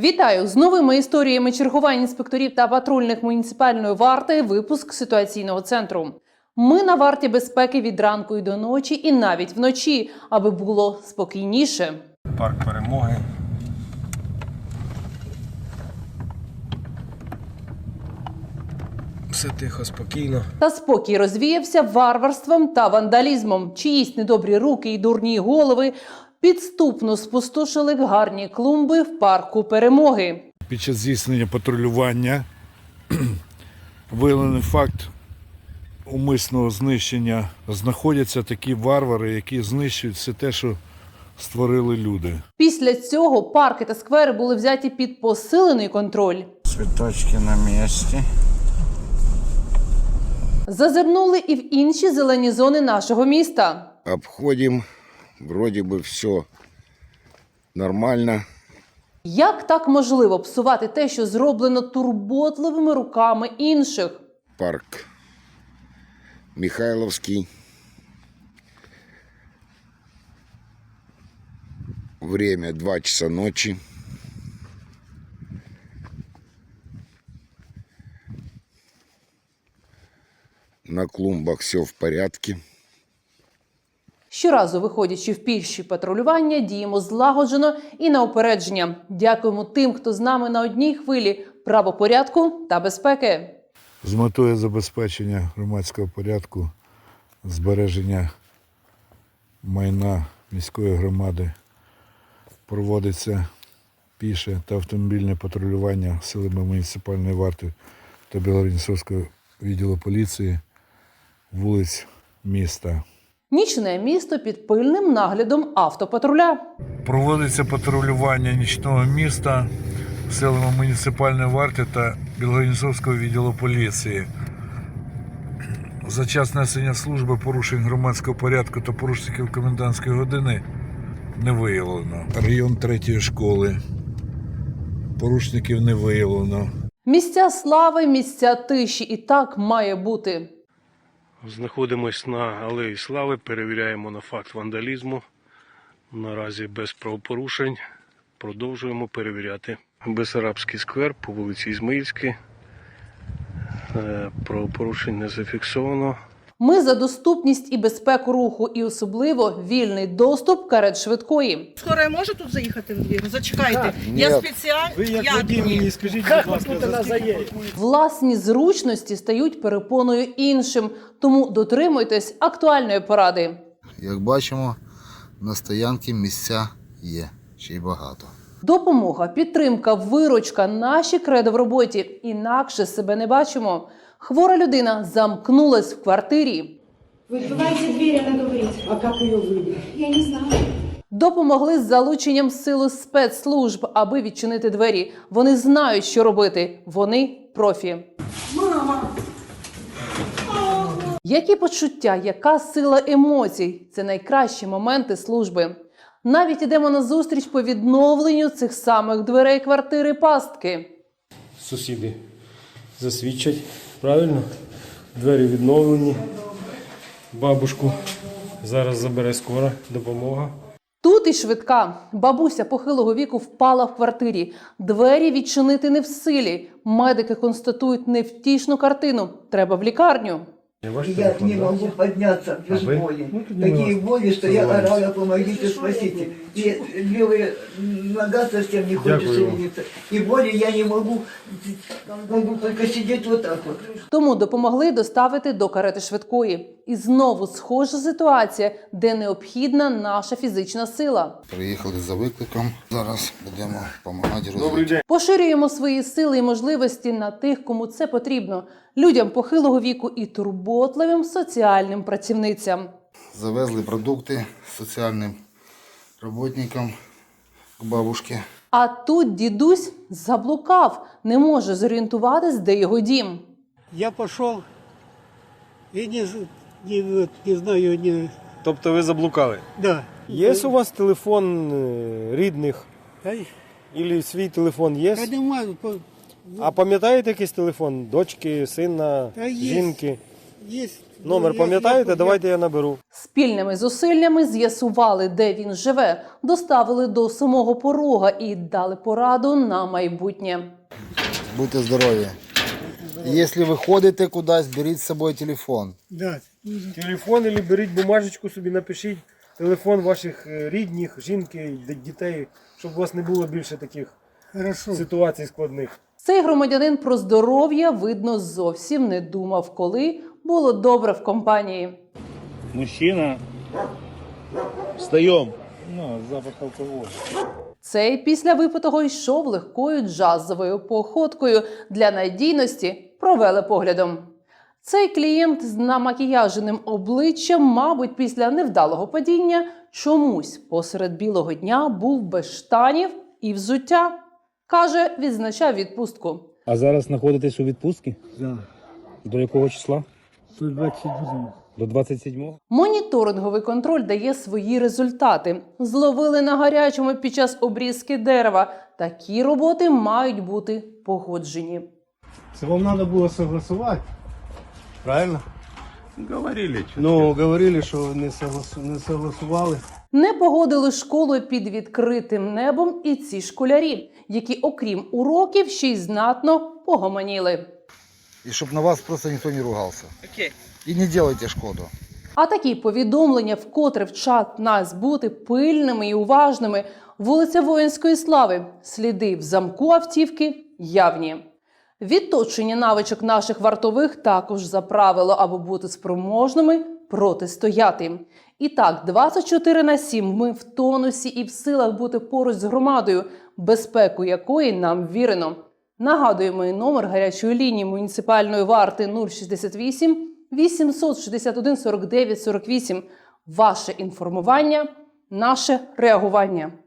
Вітаю! З новими історіями чергувань інспекторів та патрульних муніципальної варти. Випуск ситуаційного центру. Ми на варті безпеки від ранку і до ночі, і навіть вночі, аби було спокійніше. Парк Перемоги. Все тихо, спокійно. Та спокій розвіявся варварством та вандалізмом. Чиїсь недобрі руки і дурні голови підступно спустошили гарні клумби в парку Перемоги. Під час здійснення патрулювання виявлений факт умисного знищення. Знаходяться такі варвари, які знищують все те, що створили люди. Після цього парки та сквери були взяті під посилений контроль. Цветочки на місці. Зазирнули і в інші зелені зони нашого міста. Обходимо, вроді би все нормально. Як так можливо псувати те, що зроблено турботливими руками інших? Парк Михайловський. Время 2 часа ночи. На клумбах все в порядке. Щоразу, виходячи в піші патрулювання, діємо злагоджено і на упередження. Дякуємо тим, хто з нами на одній хвилі правопорядку та безпеки. З метою забезпечення громадського порядку, збереження майна міської громади проводиться піше та автомобільне патрулювання силами муніципальної варти та Білгород-Дністровського відділу поліції вулиць міста. Нічне місто під пильним наглядом автопатруля. Проводиться патрулювання нічного міста силами муніципальної варти та Білгород-Дністровського відділу поліції. За час несення служби порушень громадського порядку та порушників комендантської години не виявлено. Район 3-ї школи. Порушників не виявлено. Місця слави, місця тиші. І так має бути. Знаходимось на Алеї Слави, перевіряємо на факт вандалізму. Наразі без правопорушень. Продовжуємо перевіряти. Бесарабський сквер по вулиці Ізмаїльській. Правопорушень не зафіксовано. Ми за доступність і безпеку руху, і особливо вільний доступ карет швидкої. Скоро може тут заїхати в двір? Зачекайте. Так, Я ні. спеціально... Ви як водій мені скажіть, будь ласка, Власні зручності стають перепоною іншим, тому дотримуйтесь актуальної поради. Як бачимо, на стоянці місця є, ще й багато. Допомога, підтримка, виручка – наші кредо в роботі. Інакше себе не бачимо. Хвора людина замкнулась в квартирі. Вы открываете дверь, она говорит. А как ее выбить? Я не знаю. Допомогли з залученням сили спецслужб, аби відчинити двері. Вони знають, що робити. Вони профі. Мама! Які почуття, яка сила емоцій – це найкращі моменти служби. Навіть ідемо на зустріч по відновленню цих самих дверей квартири пастки. Сусіди засвідчать, правильно? Двері відновлені. Бабушку зараз забере скора допомога. Тут і швидка. Бабуся похилого віку впала в квартирі. Двері відчинити не в силі. Медики констатують невтішну картину. Треба в лікарню. Я не могу подняться без боли. Такие боли, что я орала, помогите, спасите. И левая нога совсем не хочет шевелиться. И боли я не могу только сидеть вот так вот. Тому допомогли доставити до карети швидкої. І знову схожа ситуація, де необхідна наша фізична сила. Приїхали за викликом, зараз будемо допомагати розвитку. Поширюємо свої сили і можливості на тих, кому це потрібно. Людям похилого віку і турботливим соціальним працівницям. Завезли продукти соціальним роботникам к бабушці. А тут дідусь заблукав, не може зорієнтуватись, де його дім. Я пошел и не знаю, не... Тобто ви заблукали? Да. Є у вас телефон рідних? Та, Або свій телефон є? та нема, А пам'ятаєте якийсь телефон? Дочки, сина, Та є. жінки? Есть. Номер пам'ятаєте? Давайте я наберу. Спільними зусиллями з'ясували, де він живе, доставили до самого порога і дали пораду на майбутнє. Будьте здорові. Якщо ви ходите кудись, беріть з собою телефон. Да. Телефон або беріть бумажечку собі, напишіть телефон ваших рідних, жінки, дітей, щоб у вас не було більше таких Хорошо. ситуацій складних. Цей громадянин про здоров'я, видно, зовсім не думав, коли було добре в компанії. Мужчина. Встаем. Ну, запах алкоголя. Цей після випитого йшов легкою джазовою походкою. Для надійності провели поглядом. Цей клієнт з намакіяженим обличчям, мабуть, після невдалого падіння чомусь посеред білого дня був без штанів і взуття. Каже, відзначав відпустку. А зараз знаходитесь у відпустці? Да. До якого числа? 127. До 27-го? Моніторинговий контроль дає свої результати. Зловили на гарячому під час обрізки дерева. Такі роботи мають бути погоджені. Це вам треба було согласувати. Правильно? Говорили. Ну, говорили, що не согласували. Не погодили школу під відкритим небом і ці школярі, які, окрім уроків, ще й знатно погомоніли. І щоб на вас просто ніхто не ругався. І не робіть шкоду. А такі повідомлення вкотре вчать нас бути пильними і уважними. Вулиця Воїнської слави. Сліди в замку автівки явні. Відточення навичок наших вартових також за правило, аби бути спроможними протистояти. І так, 24/7 ми в тонусі і в силах бути поруч з громадою, безпеку якої нам вірено. Нагадуємо і номер гарячої лінії муніципальної варти 068 861 49 48. Ваше інформування – наше реагування.